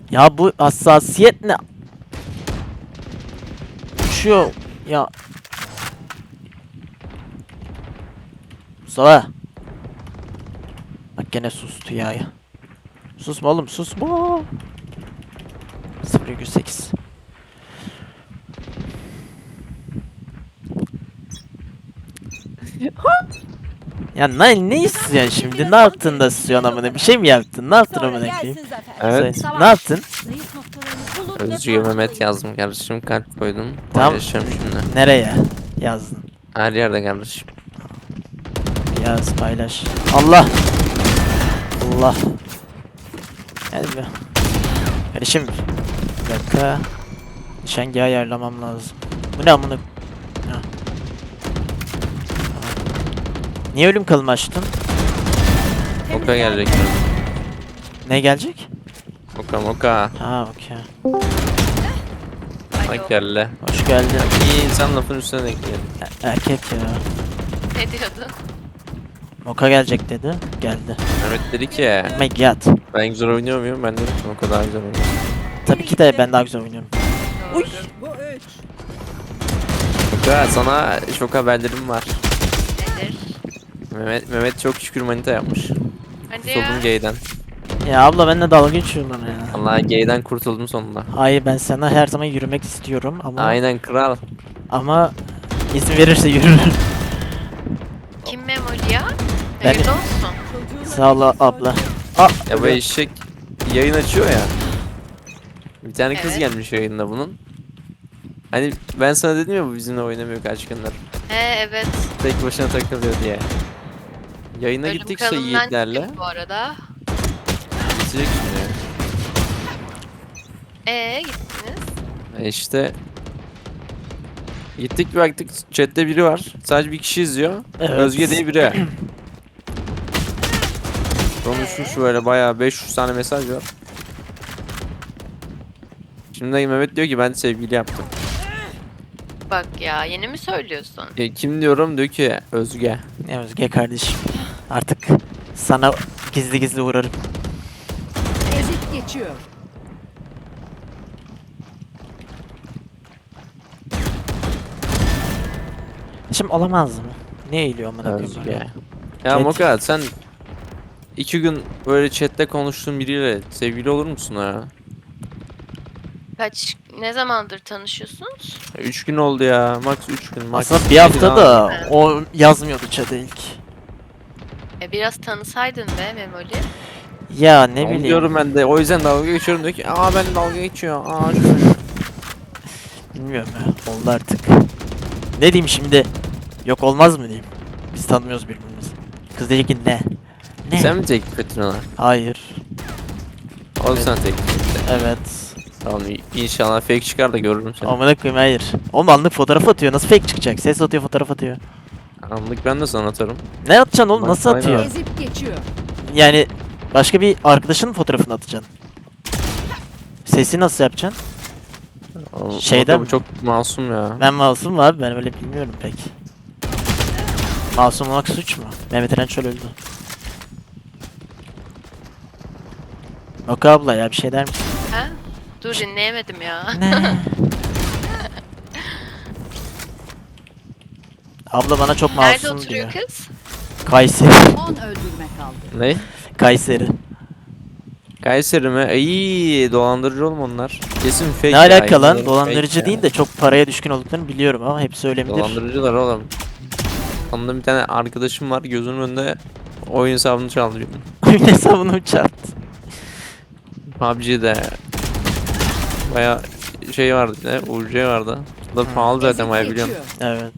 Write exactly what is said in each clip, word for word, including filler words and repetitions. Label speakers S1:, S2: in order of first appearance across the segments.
S1: Ya bu hassasiyet ne? Uçuyor ya. Mustafa. Bak gene sustu ya. Susma oğlum, susma. sıfır virgül sekiz. Ya ne, ne istiyorsun şimdi? Ne yaptın da istiyorsun amına? Bir şey mi yaptın? Ne yaptın amına koyayım?
S2: Evet.
S1: Söyle. Ne yaptın?
S2: Özcü'ye Mehmet yazdım kardeşim. Kalp koydum.
S1: Tamam.
S2: Paylaşacağım şimdi.
S1: Nereye yazdın?
S2: Her yerde kardeşim.
S1: Yaz, paylaş. Allah. Allah. Hadi be. Kardeşim. Bir dakika. Nişangahı ayarlamam lazım. Bu ne amına? Ha. Niye ölüm kalımı açtın?
S2: Moka gelecek.
S1: Ne gelecek?
S2: Moka moka.
S1: Ha, okey.
S2: Bak geldi.
S1: Hoş geldin.
S2: İyi insan lafın üstüne denk geldi.
S1: E- erkek ya.
S3: Ne diyordu?
S1: Moka gelecek dedi. Geldi.
S2: Mehmet dedi ki
S1: Oh my god.
S2: ben güzel oynuyor muyum? Ben dedim ki Moka daha güzel oynuyor.
S1: Tabii ki de ben daha güzel oynuyorum.
S3: Uy.
S2: Moka sana şok haberlerim var.
S3: Nedir?
S2: Mehmet, Mehmet çok şükür manita yapmış.
S3: Hadi ya.
S2: Kurtuldum gay'den.
S1: Ya abla benimle dalga geçiyorsun bana ya.
S2: Allah gay'den kurtuldum sonunda.
S1: Hayır, ben sana her zaman yürümek istiyorum ama
S2: Aynen kral.
S1: ama izin verirse yürürüm.
S3: Kim Memoli ya?
S1: Ben-
S3: Hayırlı olsun.
S1: Sağ ol abla. Aa,
S2: Ya bu eşek yayın açıyor ya. Bir tane kız
S3: Evet.
S2: gelmiş yayında bunun. Hani ben sana dedim ya bu bizimle oynamıyor kaç gündür.
S3: He evet.
S2: Tek başına takılıyor diye. Yayına
S3: Ölüm
S2: gittik şey
S3: kralından
S2: yiğitlerle.
S3: çıktık bu arada.
S2: Bitecek şimdi.
S3: Ee gittiniz.
S2: E işte gittik bir baktık chatte biri var. Sadece bir kişi izliyor.
S1: Evet.
S2: Özge diye biri. Konuşmuş böyle bayağı beş yüz tane mesaj var. Şimdi Mehmet diyor ki ben sevgili yaptım.
S3: Bak ya yeni mi söylüyorsun?
S2: E, kim diyorum diyor ki Özge.
S1: ne Özge kardeşim. Artık sana gizli gizli uğrarım.
S4: Ezip geçiyor.
S1: Şimdi olamaz mı? Ne eğiliyor amına koyayım
S2: Özge.
S1: böyle?
S2: Ya
S1: Chat.
S2: Moka sen iki gün böyle chatte konuştuğun biriyle sevgili olur musun ha?
S3: Kaç ne zamandır tanışıyorsunuz?
S2: Ya Üç gün oldu ya. Max üç gün. Max
S1: Aslında bir
S2: iki
S1: hafta
S2: gün
S1: da
S2: abi.
S1: o yazmıyordu chat'e ilk.
S3: E biraz tanısaydın be Memoli.
S1: Ya ne
S2: Onu
S1: bileyim.
S2: diyorum ben de. O yüzden dalga geçiyorum diyor ki aa ben dalga geçiyor. Aa şöyle.
S1: Bilmiyorum ya. Oldu artık. Ne diyeyim şimdi? Yok olmaz mı diyeyim? Biz tanımıyoruz birbirimizi. Kız diyecek ki ne? Ne?
S2: Sen mi teklif ettin ona?
S1: Hayır.
S2: O
S1: Evet.
S2: sen teklif etti.
S1: Evet.
S2: Tamam inşallah fake çıkar da görürüm seni.
S1: Amına koyayım, hayır. Oğlum anlık fotoğraf atıyor. Nasıl fake çıkacak? Ses atıyor, fotoğraf atıyor.
S2: Anlık ben de sana atarım.
S1: Ne atacaksın oğlum?
S2: Bak,
S1: Nasıl
S2: aynen.
S1: atıyor?
S4: Ezip geçiyor.
S1: Yani başka bir arkadaşının fotoğrafını atacaksın. Sesi nasıl yapacaksın?
S2: O-
S1: Şeyden
S2: o da bu
S1: mi?
S2: çok masum ya.
S1: Ben masum mu abi? Ben öyle bilmiyorum pek. Masum olmak suç mu? Mehmet Eren Çöl öldü. Oka abla ya, bir şey der misin?
S3: Ha? Dur dinleyemedim ya.
S1: Ne? Abla bana çok
S3: Nerede
S1: masum
S3: oturuyor
S1: diyor.
S3: kız?
S1: Kayseri.
S4: on öldürme kaldı.
S2: Ne?
S1: Kayseri.
S2: Kayseri mi? İyi dolandırıcı oğlum onlar. Kesin fake
S1: Ne
S2: ya,
S1: alaka lan?
S2: yemin ederim
S1: Dolandırıcı
S2: fake
S1: değil
S2: ya.
S1: de çok paraya düşkün olduklarını biliyorum ama hepsi öyle midir?
S2: Dolandırıcılar oğlum. Ondan bir tane arkadaşım var gözümün önünde oyun hesabını çaldı benim.
S1: Oyun hesabını mı çarptı?
S2: P U B G'de baya şey vardı bir de U C vardı. Bu da pahalı zaten
S4: Ezip
S2: baya biliyorum.
S4: geçiyor.
S1: Evet.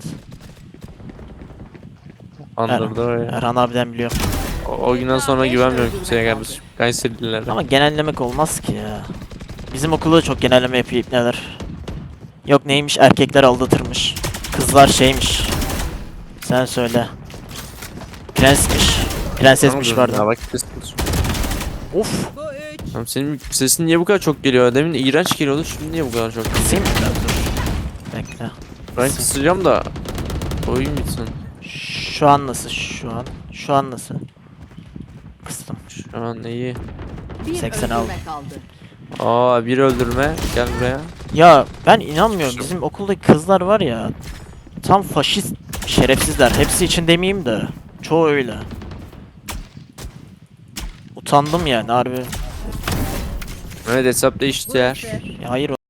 S2: Andırdı öyle.
S1: Erhan abiden biliyorum.
S2: O, o günden sonra güvenmiyorum kimseye kardeşim. Kayserililere.
S1: Ama genellemek olmaz ki ya. Bizim okulda çok genelleme yapıyor ipneler. Yok neymiş, erkekler aldatırmış. Kızlar şeymiş. Sen söyle. Prensmiş. Prensesmiş
S2: Ya
S1: pardon.
S2: bak ses-
S1: Of.
S2: Oğlum senin sesin niye bu kadar çok geliyor? Demin iğrenç geliyordu şimdi niye bu kadar çok geliyor?
S1: Kısayım mı biraz dur. Bekle.
S2: Ben kısacağım da oyun bitsin.
S1: Şu an nasıl? Şu an. Şu an nasıl? Kıstım.
S2: Şu an iyi.
S4: Bir
S1: seksen
S4: öldürme
S1: aldım.
S4: kaldı.
S2: Aa bir öldürme. Gel buraya.
S1: Ya ben inanmıyorum. Bizim okuldaki kızlar var ya. Tam faşist şerefsizler. Hepsi için demeyeyim de. Çoğu öyle. Utandım yani harbi.
S2: Evet hesap değişti ya.
S1: Ya hayır